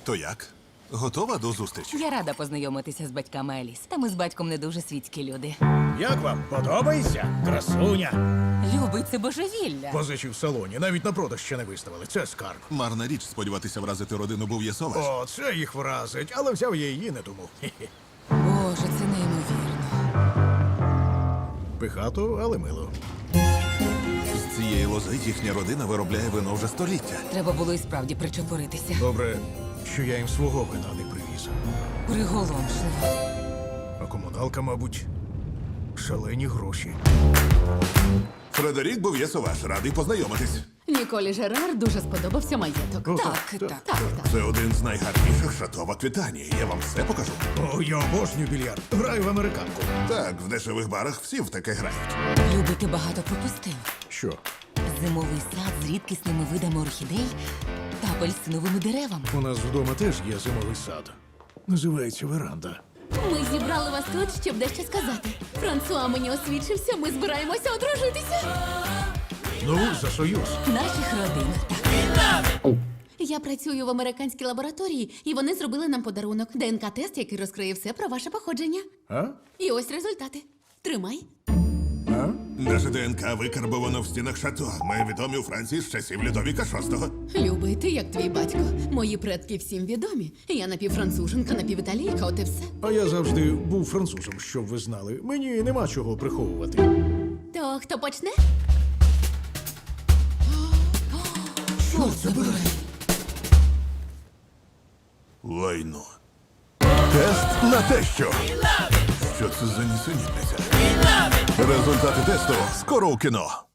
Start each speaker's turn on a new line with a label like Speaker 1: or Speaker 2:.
Speaker 1: То як? Готова до зустрічі?
Speaker 2: Я рада познайомитися з батьками Еліс. Та ми з батьком не дуже світські люди.
Speaker 3: Як вам? Подобається? Красуня.
Speaker 2: Любить це божевілля.
Speaker 3: Позичі в салоні, навіть на продаж ще не виставили. Це скарб.
Speaker 1: Марна річ сподіватися вразити родину Був'єсоваш.
Speaker 3: О, це їх вразить, але взяв я її не тому. Хе-хе.
Speaker 2: Боже, це неймовірно.
Speaker 3: Пихато, але мило.
Speaker 1: З цієї лози їхня родина виробляє вино вже століття.
Speaker 2: Треба було і справді причепуритися.
Speaker 3: Добре, що я їм свого вина не привіз.
Speaker 2: Приголомшливо.
Speaker 3: А комуналка, мабуть, шалені гроші.
Speaker 1: Фредерік Був'єсоваш, радий познайомитись.
Speaker 4: Ніколі Жерар дуже сподобався маєток.
Speaker 3: О,
Speaker 2: Так.
Speaker 1: Це один з найгарніших шато в Аквітанії. Я вам все покажу.
Speaker 3: О, я обожнюю більярд. Граю в американку.
Speaker 1: Так, в дешевих барах всі в таке грають.
Speaker 2: Любий, ти багато пропустив.
Speaker 3: Що?
Speaker 2: Зимовий сад з рідкісними видами орхідей та апельсиновими деревами.
Speaker 3: У нас вдома теж є зимовий сад. Називається веранда.
Speaker 4: Ми зібрали вас тут, щоб дещо сказати. Франсуа мені освідчився, ми збираємося одружитися.
Speaker 3: Ну, за союз.
Speaker 2: Наших родин. Так.
Speaker 4: Я працюю в американській лабораторії, і вони зробили нам подарунок. ДНК-тест, який розкриє все про ваше походження.
Speaker 3: А?
Speaker 4: І ось результати. Тримай.
Speaker 3: А?
Speaker 1: Наше ДНК викарбовано в стінах шато. Ми відомі у Франції з часів Людовіка VI.
Speaker 4: Любий, ти як твій батько. Мої предки всім відомі. Я напівфранцуженка, напівіталійка, от і все.
Speaker 3: А я завжди був французом, щоб ви знали. Мені нема чого приховувати.
Speaker 4: То хто почне?
Speaker 2: Чорт забирай.
Speaker 1: Лайно. Тест на те, що. Що це за нісенітниця? Результати тесту скоро у кіно.